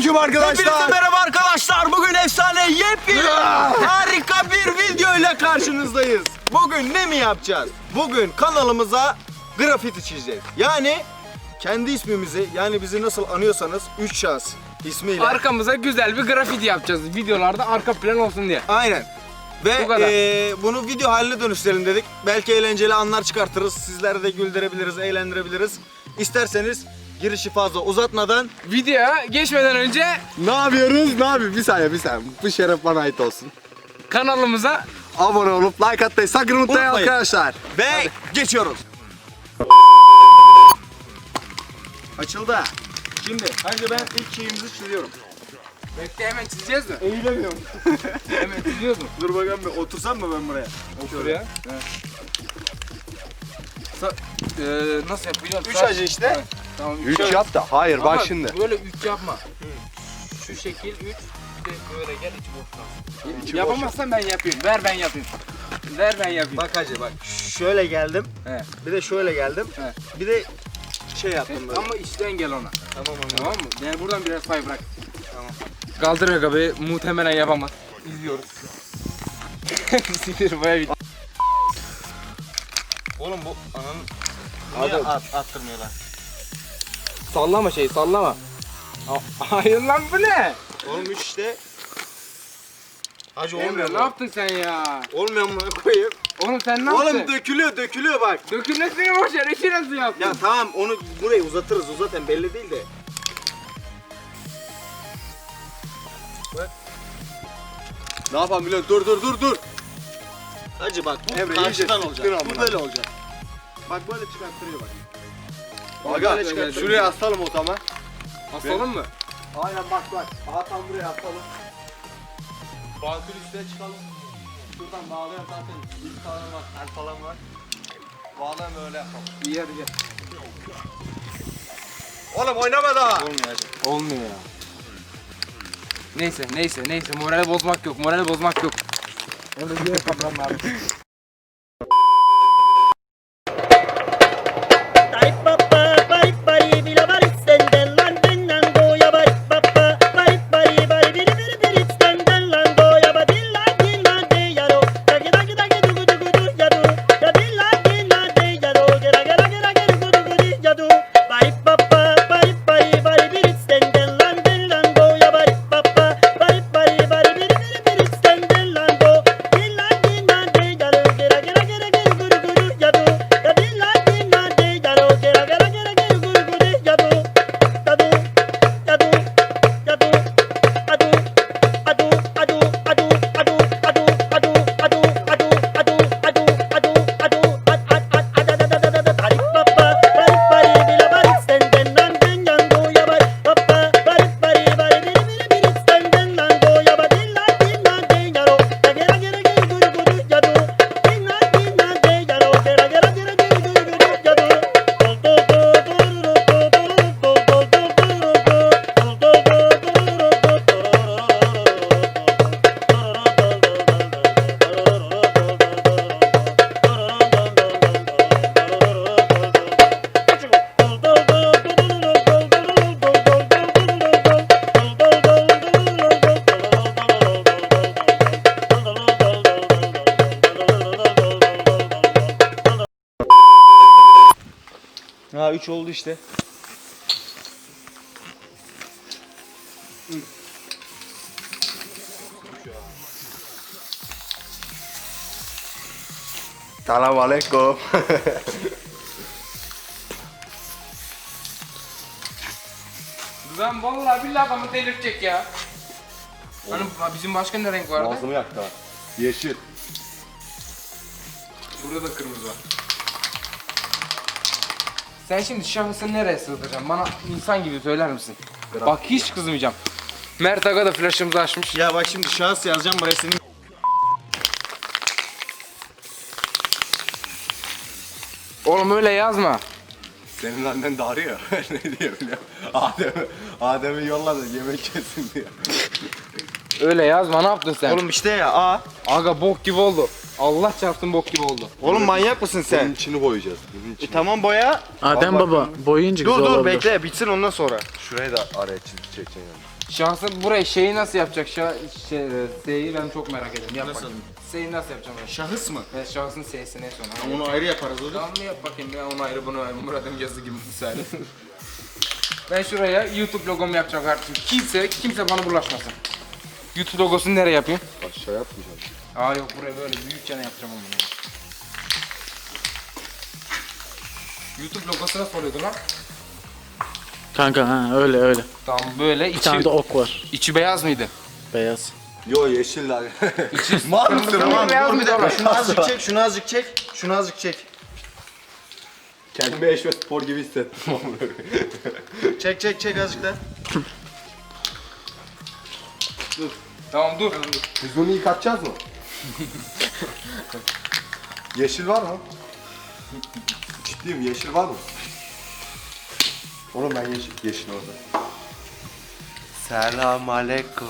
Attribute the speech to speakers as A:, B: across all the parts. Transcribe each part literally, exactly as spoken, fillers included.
A: Selamünaleyküm arkadaşlar.
B: Hepinize merhaba arkadaşlar. Bugün efsane yepyeni harika bir video ile karşınızdayız. Bugün ne mi yapacağız? Bugün kanalımıza grafiti çizeceğiz. Yani kendi ismimizi, yani bizi nasıl anıyorsanız üç şahıs ismiyle.
C: Arkamıza güzel bir grafiti yapacağız. Videolarda arka plan olsun diye.
B: Aynen. Ve
C: Bu kadar.
B: eee, bunu video haline dönüştürelim dedik. Belki eğlenceli anlar çıkartırız. Sizleri de güldürebiliriz, eğlendirebiliriz. İsterseniz girişi fazla uzatmadan
C: Videoya geçmeden önce
A: Ne yapıyoruz? Ne yapıyoruz? Bir saniye bir saniye. Bu şeref bana ait olsun.
C: kanalımıza
A: Abone olup like atmayı sakın unutmayın
B: Unutmayın.
A: arkadaşlar.
B: ve geçiyoruz. Açıldı. Şimdi hadi ben ilk şeyimizi çiziyorum.
C: bekle hemen çizeceğiz mi?
B: Eğilemiyorum.
C: Hemen çiziyoruz mu?
B: Dur bakalım bir otursam mı ben buraya?
C: Şuraya. Evet. Sa- Eee, nasıl yapacağız?
B: Üç
C: Sa-
B: acı işte.
C: Evet, Tamam.
A: Üç
C: şöyle.
A: yap da. Hayır
C: Ama
A: bak şimdi.
C: Böyle üç yapma. Şu şekil üç. Bir de böyle gel içi boş kalsın.
A: İçi boş
C: Yapamazsan ben yapayım. Ver ben yapayım. Ver ben yapayım.
B: Bak hacı bak. Şöyle geldim.
C: He.
B: Bir de şöyle geldim.
C: He.
B: Bir de şey yaptım böyle.
C: Ama içten gel ona.
B: Tamam anladım.
C: Tamam mı? Yani buradan biraz pay bırak. Tamam. Kaldır Aga Bey, muhtemelen yapamaz. İzliyoruz. Sinir baya bitti.
B: Oğlum bu ananın
A: Hadi.
B: niye at, attırmıyorlar?
C: Sallama şey, sallama. A- Hayır lan bu ne?
B: Oğlum üç işte. Hacı
C: Emre
B: olmuyor
C: ne
B: mu?
C: yaptın sen ya?
B: Olmuyor mu koyayım?
C: Oğlum sen ne yaptın?
B: Oğlum dökülüyor dökülüyor bak.
C: Dökülmesini boş ver, işi nasıl yaptın?
B: Ya tamam onu burayı uzatırız o zaten belli değil de.
A: Ne yapalım biliyorum? Dur dur dur dur.
B: Hacı bak bu
A: Emre,
B: karşıdan
A: iyice
B: olacak.
A: sıktın
B: Bu
A: amına.
B: böyle olacak. Bak böyle çıkarttırıyor bak.
A: Aga
B: Böyle çıkarttırıyor.
A: şuraya asalım o zaman.
C: Asalım mı?
A: Aynen bak bak. Aha tam buraya asalım. Bankın üstüne çıkalım. Şuradan bağlayan zaten ilk falan var, el falan var. Bağlayan böyle yapalım.
C: İyi hadi gel.
A: Oğlum oynama daha.
B: Olmuyor hacı.
C: Olmuyor ya. Neyse neyse neyse morali bozmak yok, morali bozmak yok. Orada diğer kaplan var.
B: Ha üç oldu işte.
A: Selamünaleyküm.
C: Ben vallahi billahi adamı delirtecek ya. Hani bizim başka ne renk vardı?
A: Ağzımı yaktı ha. Yeşil.
C: Burada da kırmızı var. Sen şimdi şahsı nereye sığdıracaksın? Bana insan gibi söyler misin? Bak hiç kızmayacağım. Mert Aga da flaşımızı açmış.
B: Ya bak şimdi şahıs yazacağım buraya senin.
C: Oğlum öyle yazma.
A: Senin annen de arıyor. Ne diyor biliyor musun? Adem'i, Adem'i yolladı yemek yesin diyor.
C: Öyle yazma, ne yaptın sen?
B: Oğlum işte ya A.
C: Aga bok gibi oldu. Allah çarpsın bok gibi oldu.
B: Oğlum manyak mısın
A: Bunun
B: sen?
A: içini boyayacağız. Bunun
B: E,
A: içini.
B: tamam boya.
D: Adem baba boyayınca
B: Dur
D: güzel
B: dur
D: olabilir.
B: bekle bitsin ondan sonra.
A: Şurayı da araya çizgi çekeceğim.
C: Şahsen buraya şeyi nasıl yapacak? Şah, şey, S'yi ben çok merak ediyorum. Yap
B: Nasıl?
C: bakayım. S'yi nasıl yapacağım ben?
B: Şahıs mı?
C: Evet, şahsın S'si ne sonra?
B: Onu ayrı yaparız hocam.
C: Tamam mı yap bakayım ya onu ayrı bunu ayrı. Murat'ın yazı gibi misali. Ben şuraya YouTube logomu yapacağım kardeşim. Kimse, kimse bana bulaşmasın. YouTube logosunu nereye yapayım?
A: Aşağı yapmayacağım.
C: Aa yok buraya böyle büyükçe ne yapacağım onu. YouTube logosu nasıl oluyordu lan?
D: Kanka ha öyle öyle.
C: Tamam böyle
D: Bir tane
C: içi,
D: de ok var.
C: içi beyaz mıydı?
D: Beyaz.
A: Yo yeşil lan.
B: Mal mısın? Tamam
C: beyaz
B: dur bir
C: mıydı
B: dakika.
C: oğlum?
B: Şunu azıcık çek, şunu azıcık çek. Şunu azıcık çek.
A: Kendimi eşme spor gibi hissettim.
B: Çek çek çek azıcık da.
C: Tamam dur.
A: Biz bunu yıkatacağız mı? Yeşil var mı? Ciddiyim yeşil var mı? Oğlum ben yeşil, yeşil orada. Selam aleyküm.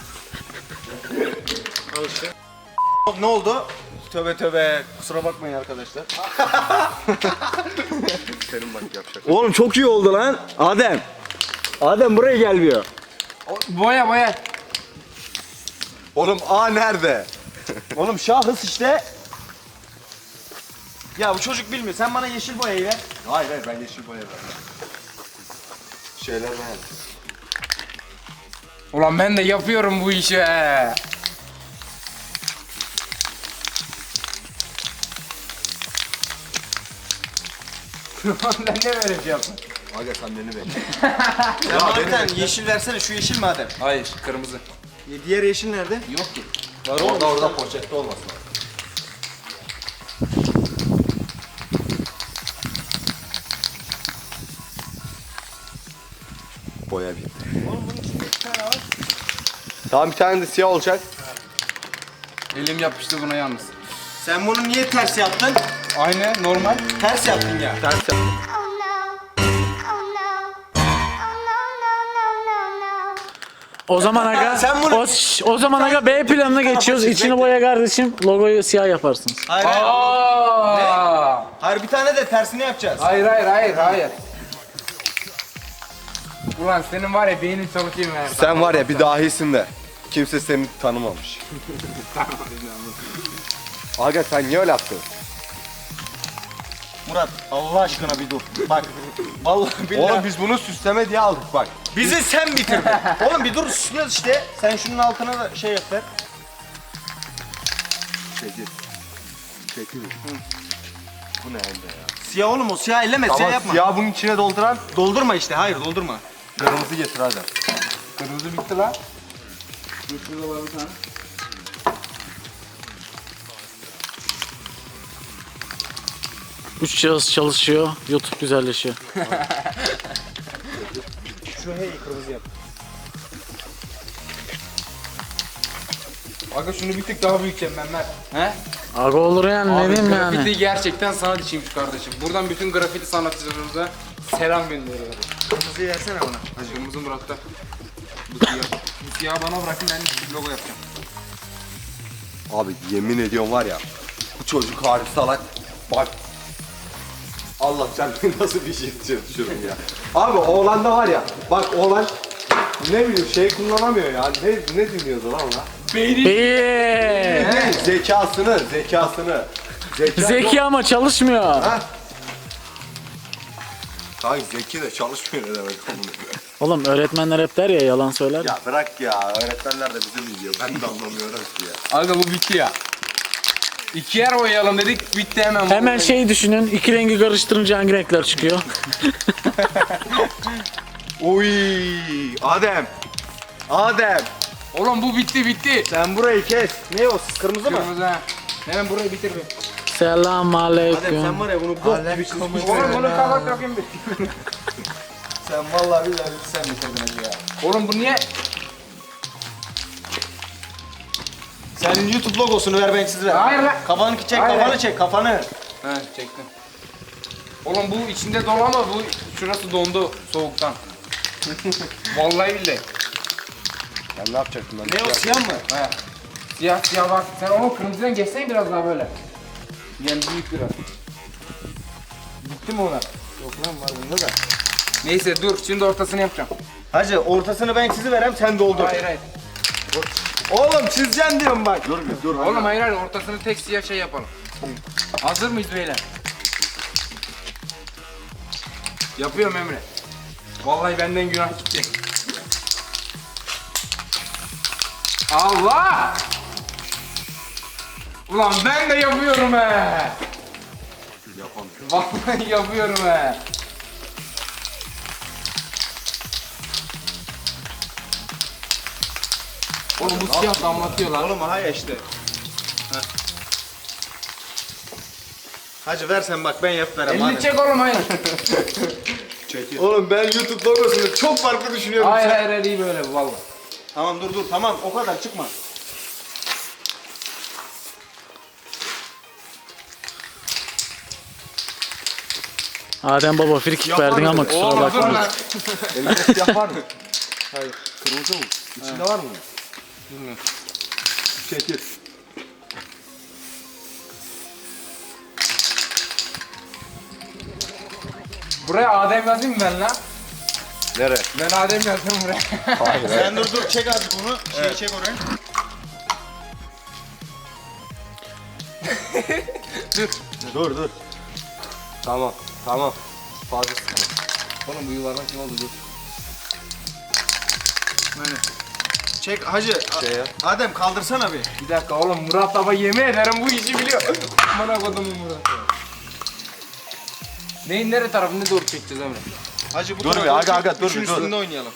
B: Ne oldu? Tövbe tövbe. Kusura bakmayın arkadaşlar.
A: Senin bak yapacak.
B: Oğlum çok iyi oldu lan. Adem. Adem buraya gelmiyor.
C: Boya boya.
A: Oğlum A nerede?
B: Oğlum şahıs işte. Ya bu çocuk bilmiyor. Sen bana yeşil boyayı ver.
A: Hayır hayır ben yeşil boya verdim. Şeyler ben.
C: Ulan ben de yapıyorum bu işi. Ben ne böyle şey yaptım?
A: Aga sen beni bekle.
B: Ya bana bir tane yeşil versene. Şu yeşil mi Adem?
C: Hayır kırmızı.
B: Diğer yeşil nerede?
C: Yok ki.
B: Var
A: Orada orada poşette olmasın. Boya bitti.
B: Oğlum bunun içinde iki tane var.
A: Tamam bir tane de siyah olacak.
C: Elim yapıştı buna yalnız.
B: Sen bunu niye ters yaptın?
C: Aynı normal.
B: Ters yaptın ya.
A: Ters yap.
E: Oh no. Oh no. Oh no, no, no, no, no.
D: O zaman aga
B: Sen bunu-
D: o, şş, o zaman aga B planına geçiyoruz. İçini boya kardeşim. Logoyu siyah yaparsınız.
B: Hayır hayır.
C: Aa!
B: Hayır bir tane de tersini yapacağız.
C: Hayır hayır hayır hayır. Ulan senin var ya beynin çalışıyor mu?
A: Sen var ya bir dahisin de. Kimse seni tanımamış. Aga sen niye öyle yaptın?
B: Murat Allah aşkına bir dur. Bak. Vallahi billahi.
A: Oğlum biz bunu süsleme diye aldık bak.
B: Bizi sen bitirdin. Oğlum bir dur süslüyoruz işte. Sen şunun altına da şey yap ver.
A: Çekil. Çekil. Bu ne elde ya?
B: Siyah oğlum o siyah elleme siyah
A: Tamam
B: yapma.
A: siyah bunun içine dolduran
B: Doldurma işte hayır doldurma.
A: kırmızı getir hadi.
C: Kırmızı bitti lan. Dur şurada var bir tane.
D: Üç cihaz çalışıyor. YouTube güzelleşiyor.
B: Şu hey kırmızı yap.
C: Aga şunu bir tık daha büyüteceğim ben ver. He?
D: Aga olur yani ne
C: Abi
D: diyeyim
C: grafiti
D: yani.
C: gerçekten sanat içiymiş kardeşim. Buradan bütün grafiti sanatçılarımıza selam gönderiyorum.
B: Kırmızıyı versene bana.
C: Hacı kırmızı Murat'ta. Bu siyah. Bu siyahı bana bırakın ben bir logo yapacağım.
A: Abi yemin ediyorum var ya. Bu çocuk harbi salak. Bak. Allah sen beni nasıl bir şey düşürdün ya. Abi oğlanda var ya. Bak oğlan ne bileyim şey kullanamıyor ya. Ne, ne dinliyordu lan ona?
C: Beyni.
D: İyi.
A: Ne? Zekasını, zekasını. Zeka
D: Zeki ama çalışmıyor.
A: Ha? Kanka zeki de çalışmıyor ne demek oğlum.
D: Oğlum öğretmenler hep der ya yalan söyler.
A: Ya bırak ya öğretmenler de bizi biliyor. Ben de anlamıyorum ki ya.
C: Aga bu bitti ya. İki yer boyayalım dedik bitti hemen.
D: Hemen şey düşünün. İki rengi karıştırınca hangi renkler çıkıyor?
B: Oy Adem. Adem.
C: Oğlum bu bitti bitti.
B: Sen burayı kes. Ne o kırmızı mı?
C: Kırmızı ha. Hemen burayı bitir bir.
D: Selam
B: Adem
D: aleyküm.
B: sen var ya bunu bok gibi çizmişsin.
C: Oğlum bunu kapat bakayım bir.
B: Sen vallahi billahi sen bitirdin hacı ya.
C: Oğlum bu niye?
B: Senin YouTube logosunu ver ben size.
C: Hayır lan.
B: Kafanı çek
C: Hayır.
B: kafanı çek kafanı.
C: He çektim. Oğlum bu içinde dolu ama bu şurası dondu soğuktan. Vallahi billahi.
A: Ben ne yapacaktım ben?
B: Ne o siyah mı?
C: He. Siyah siyah bak. Sen onu kırmızıdan geçsen biraz daha böyle. Yani büyük biraz. Bitti mi ona?
B: Yok lan var bunda da.
C: Neyse dur şimdi ortasını yapacağım.
B: Hacı ortasını ben çiziverem sen doldur.
C: Hayır hayır.
B: Oğlum çizeceksin diyorum bak.
A: Dur bir dur.
C: Oğlum hayır hayır ortasını tek siyah şey yapalım. Hazır mıyız beyler? Yapıyorum Emre. Vallahi benden günah gitti. Allah! Ulan ben de yapıyorum he.
A: Yapamıyorum.
C: Vallahi yapıyorum he. Oğlum bu siyah damlatıyor lan.
B: Oğlum ha işte. Heh. Hacı ver sen bak ben yap verem.
C: Elini çek oğlum hayır.
A: Çekil.
B: Oğlum ben YouTube logosunu çok farklı düşünüyorum.
C: hayır hayır hayır iyi böyle bu valla.
B: Tamam dur dur tamam o kadar çıkma.
D: Adem baba frikik verdin ama kusura
C: Oğlum dur
D: bakma.
C: lan.
A: Elinde siyah var mı? Hayır. Kırmızı mı? İçinde var mı?
C: Bilmiyorum.
A: Çekil.
C: Buraya Adem yazayım mı ben lan?
A: Nere?
C: Ben Adem yazdım buraya.
A: Hayır. hayır.
B: Sen dur dur çek azıcık onu. Şeyi çek oraya.
A: Dur dur. Tamam. Tamam. Fazla sıkma.
C: Oğlum bu yuvarlak kim oldu dur.
B: Böyle. Çek hacı. A-
A: Şey ya.
B: Adem kaldırsana bir.
C: Bir dakika oğlum Murat baba yemin ederim bu işi biliyor. Bana kodumun Murat. Neyin nere tarafını doğru çekeceğiz Emre?
B: Hacı bu
A: Dur
B: tarafa
A: bir, aga,
B: çek,
A: aga, dur
B: üçün
A: bir, dur.
B: üstünde oynayalım.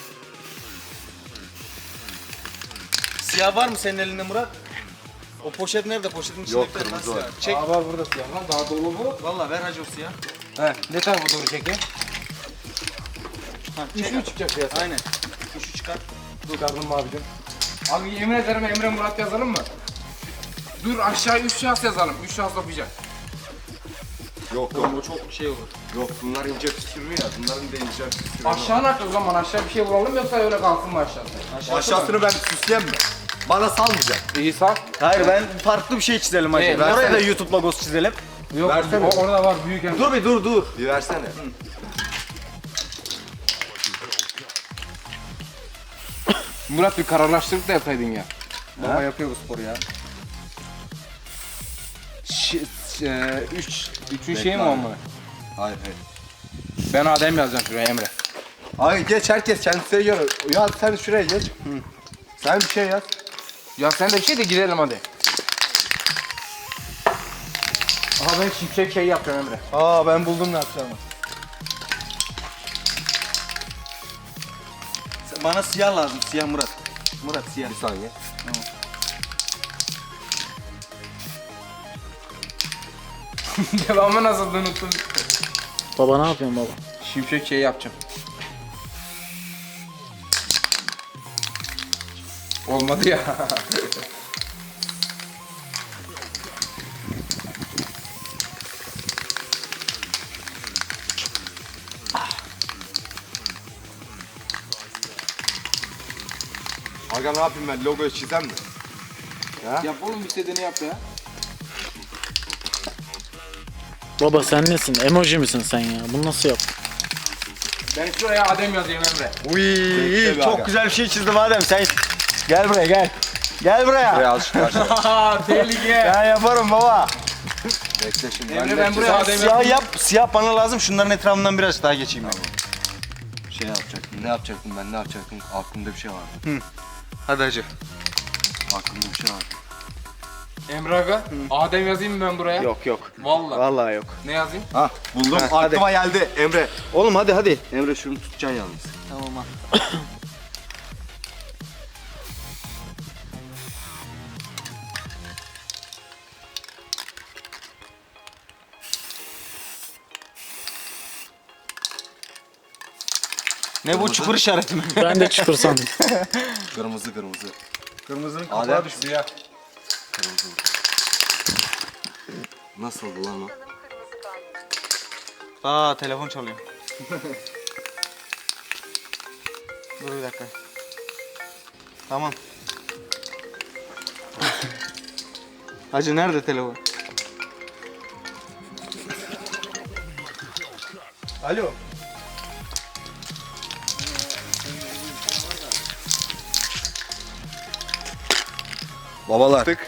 B: Siyah var mı senin elinde Murat? O poşet nerede? Poşetin içinde
A: Yok,
B: bir tane
A: kırmızı
B: siyah.
A: var.
B: Çek.
C: Aa var burada siyah lan daha dolu bu.
B: Valla ver hacı o siyah.
C: He ne tarafa doğru çekeyim?
B: Ha,
C: Üç mü çıkacak siyah?
B: Aynen. Üçü çıkar.
C: Çıkardım mı abicim? Abi yemin ederim Emre Murat yazalım mı? Dur aşağı üç şahıs yazalım. Üç şahıs okuyacak.
A: Yok yok.
B: Oğlum o çok şey olur.
A: Yok bunlar ince püskürüyor ya. Bunların da ince püskürüyor.
C: Aşağı ne yapacağız o zaman? Aşağı bir şey vuralım yoksa öyle kalsın mı aşağısı?
A: Aşağısını ben süsleyeyim mi? Bana salmayacak.
C: İyi sağ.
B: Hayır ben farklı bir şey çizelim hacı.
C: Ee,
B: Oraya
C: versene.
B: da YouTube logosu çizelim.
C: Yok
A: Versene.
C: o, orada var büyük Emre.
B: Dur bir dur dur.
A: Bir versene.
C: Murat bir kararlaştırıp da yapsaydın ya. Baba yapıyor bu sporu ya. Ş e, üç, üçün şeyi mi
A: abi.
C: olmalı?
A: Hayır hayır.
C: Ben Adem yazacağım şuraya Emre.
A: Ay geç herkes kendisine göre. Ya sen şuraya geç. Sen bir şey yaz.
C: Ya sen de bir şey de gidelim hadi. Aha ben şimşek şey yapacağım Emre.
B: Aa ben buldum ne yapacağımı. Sen- Bana siyah lazım. Siyah Murat. Murat siyah.
A: Bir saniye.
C: Devamı nasıl unuttum.
D: Baba ne yapıyorsun baba?
C: Şimşek şey yapacağım. Olmadı ya.
A: Aga ne yapayım ben? Logoyu çizem mi?
C: Yap oğlum istediğini yap ya.
D: Baba sen nesin? Emoji misin sen ya? Bunu nasıl yap?
C: Ben şuraya Adem yazayım Emre.
B: Uy
A: Bekle
B: çok
A: bir
B: güzel bir şey çizdim Adem sen. Gel buraya gel. Gel buraya.
A: Buraya azıcık aşağı.
C: Haha tehlike.
B: Ben yaparım baba.
A: Bekle şimdi.
C: Emre
A: de
C: ben buraya
B: Sen
C: Adem
B: siyah
C: yazayım.
B: yap. Siyah bana lazım. Şunların etrafından biraz daha geçeyim ben.
A: Şey yapacaktım. Ne yapacaktım ben? Ne yapacaktım? Aklımda bir şey vardı.
B: Hadi hacı.
A: Aklımda bir şey vardı.
C: Emre aga. Adem yazayım mı ben buraya?
B: Yok yok.
C: Vallahi.
B: Vallahi yok.
C: Ne yazayım?
A: Ha buldum.
B: Ha, hadi.
A: Aklıma geldi Emre.
B: Oğlum hadi hadi.
A: Emre şunu tutacaksın yalnız.
B: Tamam ha. Ne bu çukur işareti mi?
D: Ben de çukur sandım.
A: Kırmızı kırmızı.
B: Kırmızının
A: Adem.
B: kapağı düştü ya.
A: Kırmızı. Nasıldı lan o?
B: Aa telefon çalıyor. Dur bir dakika. Tamam. Hacı nerede telefon? Alo.
A: Babalar. Tık.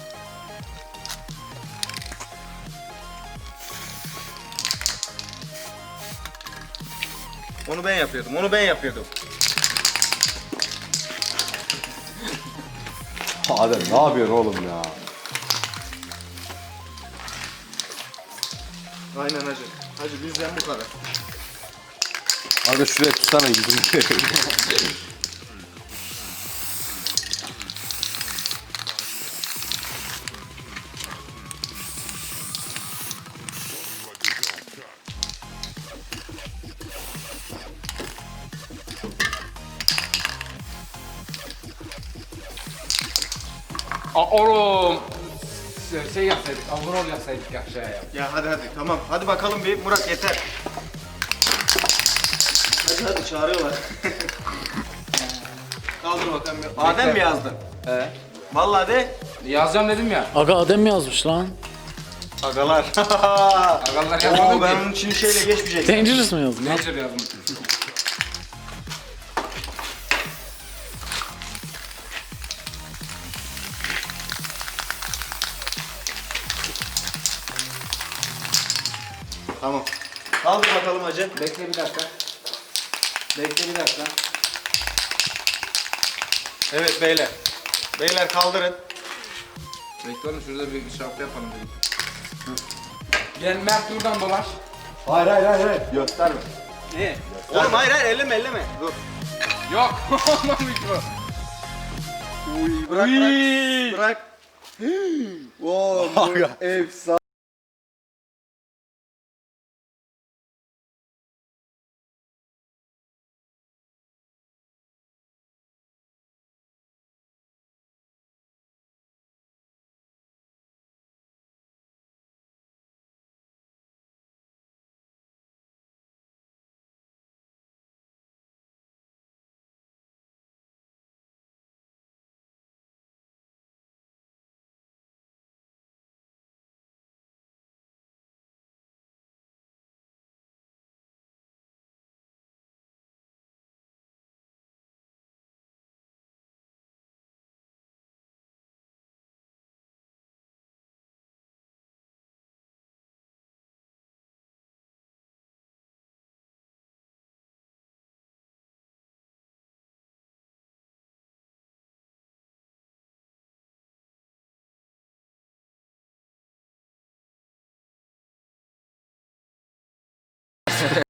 B: Onu ben yapıyordum. Onu ben yapıyordum.
A: Adem ne yapıyorsun oğlum ya?
B: Aynen hacı. Hacı bizden bu kadar.
A: Hadi şuraya tutsana yüzünü.
C: Aa, oğlum. Şey- Şey yapsaydık, abone ol yapsaydık ya aşağıya.
B: Ya hadi hadi tamam. Hadi bakalım bir Murat yeter. Hadi hadi çağırıyorlar. Kaldır bakalım. bir. Adem mi yazdın?
C: He.
B: Vallahi de.
C: Yazacağım dedim ya.
D: Aga Adem mi yazmış lan?
B: Agalar.
C: Agalar yazmadım
B: Oo, ben
C: ki.
B: onun için şeyle geçmeyecektim.
D: Dangerous mı yazdın?
C: Nature yazdım.
B: Tamam. Kaldır bakalım hacı.
C: Bekle bir dakika. Bekle bir dakika.
B: Evet beyler. Beyler kaldırın.
C: Bekle oğlum şurada bir şarkı yapalım dedik. Gel Mert buradan dolaş.
A: Hayır hayır hayır hayır. Gösterme.
B: Ne? Oğlum hayır hayır elleme elleme. Dur.
C: Yok olmamış bu.
B: Bırak bırak. Bırak.
A: Wow, efsane.